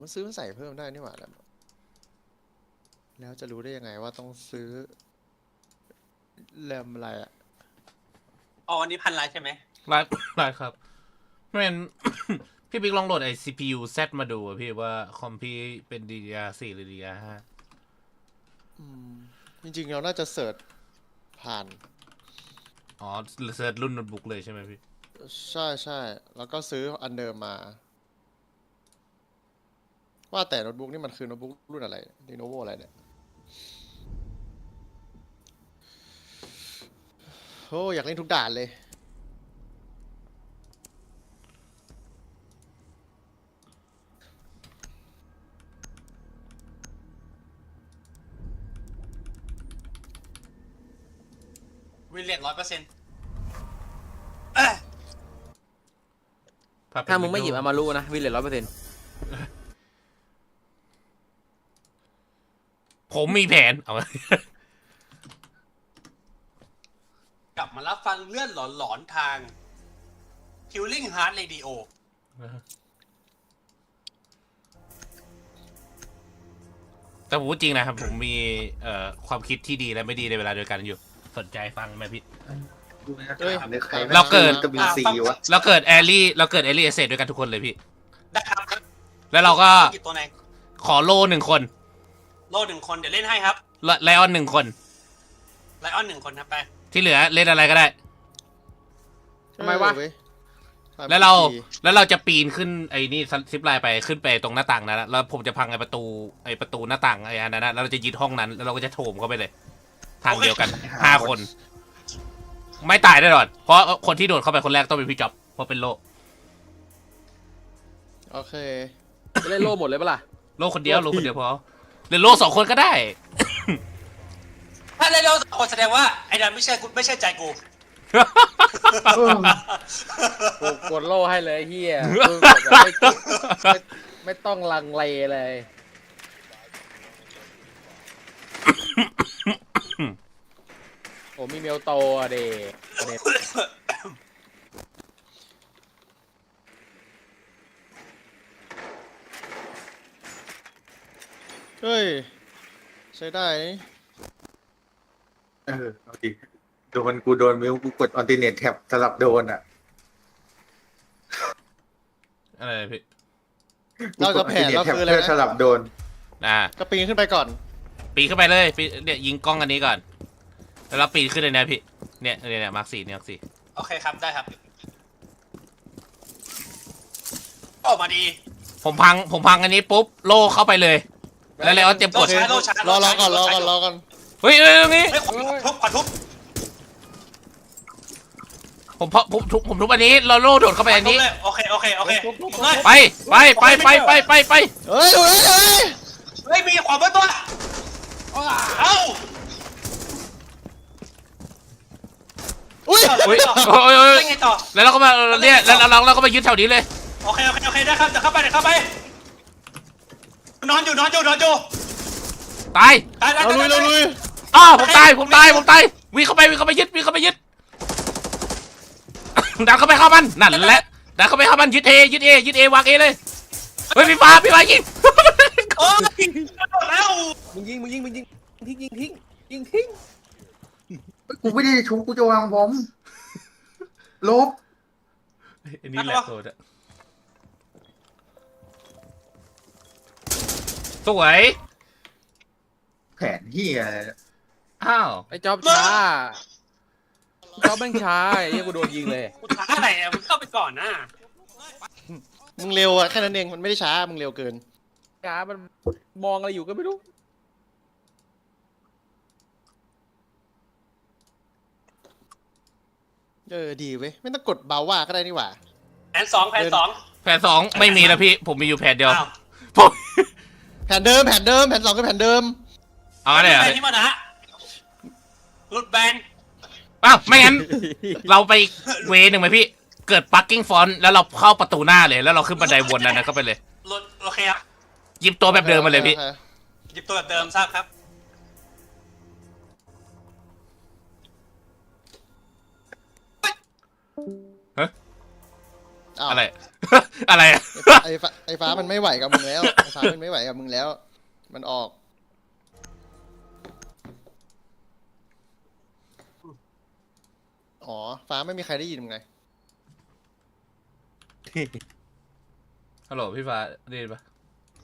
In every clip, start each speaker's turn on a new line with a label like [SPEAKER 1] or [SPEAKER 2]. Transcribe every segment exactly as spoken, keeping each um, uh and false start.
[SPEAKER 1] มันซื้อมาใส่เพิ่มได้นี่หว่าแล้วแล้วจะรู้ได้ยังไงว่าต้องซื้อแรมอะไรอ่ะ
[SPEAKER 2] อ๋ออันนี้พันล้านใช่ไหม
[SPEAKER 3] ไลฟ์ไลฟ์ครับแม่น พี่บิ๊กลองโหลดไอ้ ซี พี ยู Z มาดูอะพี่ว่าคอมพี่เป็น ดี ดี อาร์ สี่ หรือ ดี ดี อาร์ ห้า
[SPEAKER 1] อืมจริงๆเราน่าจะเสิร์ชผ่าน
[SPEAKER 3] อ๋อเซิร์ชรุ่นโน้ตบุ๊กเลยใช่ไหมพี่
[SPEAKER 1] ใช่ใช่แล้วก็ซื้ออันเดิมมา ว่าแต่โน้ตบุ๊กนี่มันคือโน้ตบุ๊กรุ่นอะไร Lenovo อะไรเนี่ยโอ้อยากเล่นทุกด่านเลย
[SPEAKER 2] วิลเลียนร้อยเปอร์เซ็นต์
[SPEAKER 4] ถ้ามึงไม่หยิบอามารุนะวิลเลจร้อยเปอร์เซ็นต์
[SPEAKER 3] ผมมีแผนเอา
[SPEAKER 2] กลับมารับฟังเลื่อนหลอนๆทาง Killing Heart Radio
[SPEAKER 3] แต่ผมพูดจริงนะครับ ผมมีเอ่อความคิดที่ดีและไม่ดีในเวลาเดียวกันอยู่สนใจฟังไหมพี่
[SPEAKER 1] เอ้ย
[SPEAKER 3] เราเกิด
[SPEAKER 5] กบินซีวะ
[SPEAKER 3] เราเกิดแอลลี่เราเกิดแอลลี่เอเซด้วยกันทุกคนเลยพี่
[SPEAKER 2] ได้ครับ
[SPEAKER 3] แล้วเราก็
[SPEAKER 2] หยิบตัวไหน
[SPEAKER 3] ขอโลหนึ่งคน
[SPEAKER 2] โลหนึ่งคนเดี๋ยวเล่นให้ครับ
[SPEAKER 3] ไลออนหนึ่งคน
[SPEAKER 2] ไลออนหนึ่งคนครับไป
[SPEAKER 3] ที่เหลือเล่นอะไรก็ได้
[SPEAKER 4] ทำไมวะ
[SPEAKER 1] เออเย
[SPEAKER 3] แล้วเราแล้วเราจะปีนขึ้นไอ้นี่ซิปไลน์ไปขึ้นไปตรงหน้าต่างนั้นนะแล้วผมจะพังไอ้ประตูไอ้ประตูหน้าต่างไอ้อันนั้นนะแล้วเราจะยึดห้องนั้นแล้วเราก็จะโถมเข้าไปเลย ทางเดียวกันห้าคน ไม่ตายแน่นอนเพราะคนที่โดดเข้าไปคนแรกต้องเป็นพี่จ๊อบเพราะเป็นโล
[SPEAKER 1] โอเค
[SPEAKER 4] จะเล่นโล่หมดเลยปะล่ะ
[SPEAKER 3] โลคนเดียวโลคนเดียวพอหรือโลสองคนก็ได้
[SPEAKER 2] ถ้าเล่นเราสองคนแสดงว่าไอ้ดันไม่ใช่กูไม่ใช่ใจกู
[SPEAKER 4] กูกดโล่ให้เลยเฮียกูกดแบบไม่ไม่ไม่ต้องลังเลเลยผมมีเมลโตอะเด็ก
[SPEAKER 1] เฮ้ย ใช้ได้นี่
[SPEAKER 5] เออเอาดิโดนกูโดนมิวกูกดออนติเนตแท็บสลับโดนอ่ะ
[SPEAKER 3] อะไรพี่
[SPEAKER 1] เราจะแผนเราคืออะไร
[SPEAKER 5] เพื่อสลั
[SPEAKER 1] นะ
[SPEAKER 5] บโดน
[SPEAKER 3] อ่า
[SPEAKER 1] ก็ปีนขึ้นไปก่อน
[SPEAKER 3] ปีนขึ้นไปเลยปีนเนี่ยยิงกล้องอันนี้ก่อนแล้วเราปีนขึ้นเลยนะพี่เนี่ยเนี่ยเนี่ยมาร์คสี่เนี่ยมาร์คสี่
[SPEAKER 2] โอเคครับได้ครับออกมาดี
[SPEAKER 3] ผมพังผมพังอันนี้ปุ๊บโลเข้าไปเลย แล้วแล้วเตรียมกด
[SPEAKER 2] โลช้าโลช้าร
[SPEAKER 1] อรอก่อนร
[SPEAKER 2] โล
[SPEAKER 1] อ
[SPEAKER 2] ช้า
[SPEAKER 1] ก่อนรอก่อน
[SPEAKER 3] เฮ้ยเอ้ยตรงนี้
[SPEAKER 2] เฮ้ยขวาทุบขวาทุบ
[SPEAKER 3] ผมเพาะผมทุบผมทุบอันนี้เราโลโดดเข้าไปอันนี้
[SPEAKER 2] โอเคโอเคโอเคเลย
[SPEAKER 3] ไปไปไปไปไปไปไป
[SPEAKER 1] เฮ้ยดูเลยเฮ้ย
[SPEAKER 2] เฮ้ยมีขวาบนตัวเอ้า
[SPEAKER 1] อุ้ย
[SPEAKER 3] อุ้ยโอ้ยโอ้ย
[SPEAKER 2] ได้ไงต่อ
[SPEAKER 3] แล้วเราก็มาเนี่ยแล้วเราเราก็มายึดแถวนี้เลย
[SPEAKER 2] โอเคโอเคโอเคได้ครับเดี๋ยวเข้าไปเดี๋ยวเข้าไปนอนอยู่นอนอยู่นอนอยู่
[SPEAKER 3] ตาย
[SPEAKER 2] ตายตาย
[SPEAKER 1] เราลุยเราลุย
[SPEAKER 3] อ้าวผมตายผมตายผมตายวิ่งเข้าไปวิ่งเข้าไปยึดวิ่งเข้าไปยึด ดันเข้าไปเข้ามันนั่นแหละดันเข้าไปเข้ามันยึดเอยึดเอยึดเอวางเอเลยเฮ้ยพี่ฟ้าพี่ฟ้ายิง
[SPEAKER 2] โอ้ยแล้ว
[SPEAKER 4] มึงยิงมึงยิงมึงยิงทิ้งยิงทิ้งยิงทิ้ง
[SPEAKER 5] กูไม่ได้ชุบกูจะวางผมลบ
[SPEAKER 3] อันนี้แหละโทษอะสวย
[SPEAKER 5] แผนเฮียอะไรเนี่ย
[SPEAKER 3] อ้าว
[SPEAKER 4] ไอ้จ๊อบช้าจ๊อบแม่งช้าไอ้เหี้ยกูโดนยิงเลย
[SPEAKER 2] กูช้าอะไรอ่ะมึงเข้าไปก่อนนะ
[SPEAKER 1] มึงเร็วอะแค่นั้นเองมันไม่ได้ช้ามึงเร็วเกิน
[SPEAKER 4] ช้ามันมองอะไรอยู่ก็ไม่รู้
[SPEAKER 1] เออดีเว้ยไม่ต้องกดเบาว่าก็ได้นี่หว่า
[SPEAKER 2] แผนสองแผนสอง
[SPEAKER 3] แผนสองไม่มีแล้วพี่ผมมีอยู่แผนเดียว
[SPEAKER 2] อ้าว
[SPEAKER 3] ผม
[SPEAKER 1] แผนเดิมแผนเดิมแผนสองคือแผนเดิม
[SPEAKER 3] เอาอะไร
[SPEAKER 2] แบ
[SPEAKER 3] อ่ะ
[SPEAKER 2] นที่มันนะหลุดแบน
[SPEAKER 3] อ้าวไม่งั้น เราไปเวหนึ่งไหมพี่เกิดปักกิ้งฟอนแล้วเราเข้าประตูหน้าเลยแล้วเราขึ้นบันไดวนนั้นนะก็ไปเลย
[SPEAKER 2] หลุดโอเคครับ
[SPEAKER 3] หยิบตัวแบบเดิมมาเลยพี่
[SPEAKER 1] โอค
[SPEAKER 2] หยิบตัวแบบเดิมทราบครับ
[SPEAKER 1] ออ้าว
[SPEAKER 3] อะไร อะไรอะ
[SPEAKER 1] ไอ้ฟ้าไอ้ฟ้ามันไม่ไหวกับมึงแล้วไอ้ฟ้ามันไม่ไหวกับมึงแล้ว มันออกอ๋อฟ้าไม่มีใครได้ยินมึงไง
[SPEAKER 3] ฮัลโหลพี่ฟ้าได้ยินปะ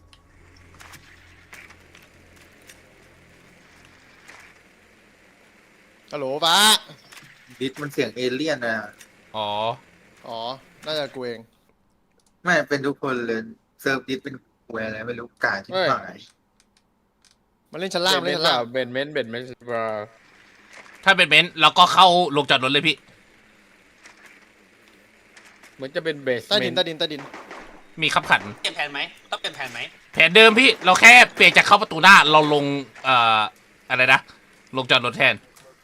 [SPEAKER 1] ฮัลโหลฟ้า
[SPEAKER 5] ดิสมันเสียงเอเลี่ยนนะ
[SPEAKER 3] อ๋อ
[SPEAKER 1] อ๋อน่าจะกูเอง
[SPEAKER 5] ไม่เป็นทุกคนเลยเซิร์ฟดิสเป็นหวยอะไรไม่รู้กาที่ฝ่าย
[SPEAKER 1] มันเล่นชั้นล่างมัน
[SPEAKER 4] เบ
[SPEAKER 1] เล่
[SPEAKER 4] น
[SPEAKER 1] นชั้นล่าง
[SPEAKER 4] เบนเมนเบนเมนบรา
[SPEAKER 3] ถ้าเป็นเบนซ์เราก็เข้าลงจอดรถเลยพี่
[SPEAKER 4] เหมือนจะเป็นเบส
[SPEAKER 1] ใต้
[SPEAKER 4] เม
[SPEAKER 1] ดิน
[SPEAKER 4] น
[SPEAKER 1] ใต้ดินใต้ดิน
[SPEAKER 3] มีขับขัน
[SPEAKER 2] เปลี่ยนแผนไหมต้องเปลี่ยนแผนไหม
[SPEAKER 3] แผนเดิมพี่เราแค่เปลี่ยนจากเข้าประตูหน้าเราลงเอ่ออะไรนะลงจอดรถแทน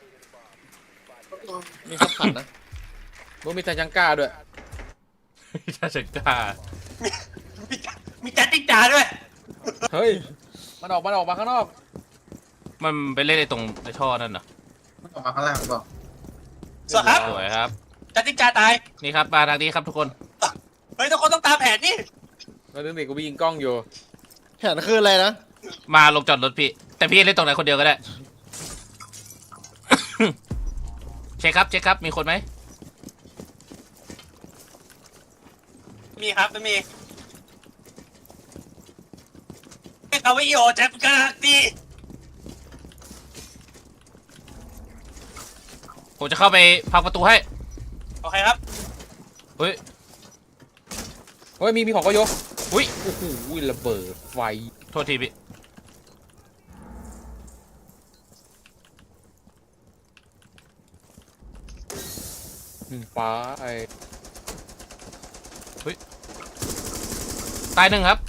[SPEAKER 1] มีขับขันนะ
[SPEAKER 4] มึงมีทาจังก้าด้วย
[SPEAKER 3] ถ้าฉันกล้า
[SPEAKER 2] มีมีจัดติ๊กจาด้วย
[SPEAKER 4] เฮ้ย มันออกมันออกมาข้างนอก
[SPEAKER 3] มันไปเล่นในตรงในท่อนั่นเหรอ
[SPEAKER 5] มันออกมาข้างล่างหรือเปล่า
[SPEAKER 2] สวัสดีครับ
[SPEAKER 3] สวยครับ
[SPEAKER 2] จัดติ๊กจาตาย
[SPEAKER 3] นี่ครับมาทางนี้ครับทุกคน
[SPEAKER 2] เฮ้ยทุกคนต้องตามแผนนี่
[SPEAKER 4] แล้วนึกดิกูไปยิงกล้องอยู่
[SPEAKER 1] แผนคืออะไรนะ
[SPEAKER 3] มาลงจอดรถพี่ แต่พี่เล่นตรงไหนคนเดียวก็ได้ เช็คครับเช็คครับมีคนไหม
[SPEAKER 2] มีครับไม่มีเอาไว้โยแจ็คกันดี
[SPEAKER 3] ผมจะเข้าไปพังประตูให้
[SPEAKER 2] โอเคครับ
[SPEAKER 3] เฮ้ย
[SPEAKER 4] เฮ้ย มีมีของก็ยก
[SPEAKER 3] อุ้ย
[SPEAKER 4] โอ้โหระเบิดไฟ
[SPEAKER 3] โทษทีพี่
[SPEAKER 4] อืมฟ้าไอ
[SPEAKER 3] ตายหนึ่งครับ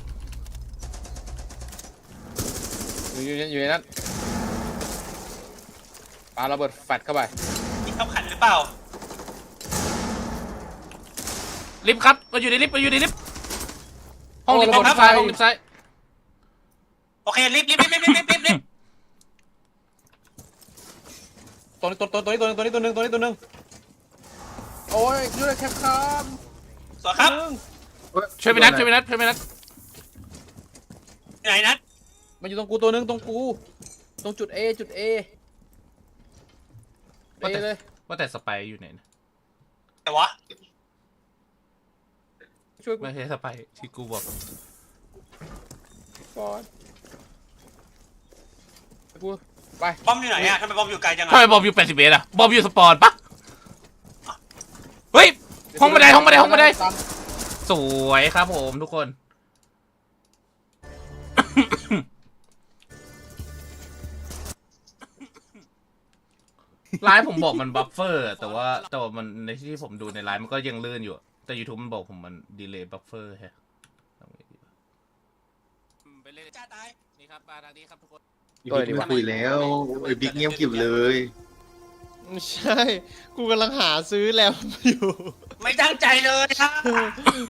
[SPEAKER 4] อยู่อยู่อยู่ในนั้นปาระเบิดแฟดเข้าไป
[SPEAKER 2] มีขับขันหรือเปล่า
[SPEAKER 3] ลิฟต์ครับมาอยู่ในลิฟต์มาอยู่ในลิฟต์ห้องลิฟต์ห้องลิฟต์ซ้ายห้องลิฟต์ซ้าย
[SPEAKER 2] โอเครีบรีบรีบรีบรีบรีบรีบ
[SPEAKER 4] ตัวนี้ตัวตัวตัวนี้ตัวนึงตัวนี้ตัวนึงตัวนี้ตัวนึงโอ้ยช่วยแคปครับ
[SPEAKER 2] สวัสดีครับ
[SPEAKER 3] ช่วยไปนัดช่วยไปนัดช่วยไปนัด
[SPEAKER 2] ไหนนัด
[SPEAKER 4] มันอยู่ตรงกูตัวนึงตรงกูตรงจุด A จุด A เอเลย
[SPEAKER 3] ว่าแต่สไปร์อยู่ไหนนะ
[SPEAKER 2] แต่วะ
[SPEAKER 4] ช่วยกู
[SPEAKER 3] ไม่ใช่สไปร์ที่กูบอก
[SPEAKER 4] ก่อนกูไป
[SPEAKER 2] บอมอยู่ไหนอะทำไมบอมอยู่ไกลจัง
[SPEAKER 3] ทำไม
[SPEAKER 2] อะ
[SPEAKER 3] บอมอยู่แปดสิบเมตรอะบอมอยู่สปอนปะเฮ้ย ห้องบันไดห้องบันไดห้องบันได สวยครับผมทุกคน ไลน์ผมบอกมันบัฟเฟอร์ แต่ว่าแต่ว่ามันในที่ผมดูในไลน์มันก็ยังลื่นอยู่ แต่ YouTube มันบอกผมมันดีเลย์บัฟเฟอร์แฮะทำไงดีวะไปเล่น
[SPEAKER 2] จ้าตาย
[SPEAKER 3] นี่ครับมาทางนี้ครับทุกคน
[SPEAKER 5] บิ๊กไม่คุยแล้วไอ้บิ๊กเงียบกริบเลย
[SPEAKER 1] ไม่ใช่ กูกำลังหาซื้อแรมอยู่
[SPEAKER 2] ไม่ตั้งใจเลยอะ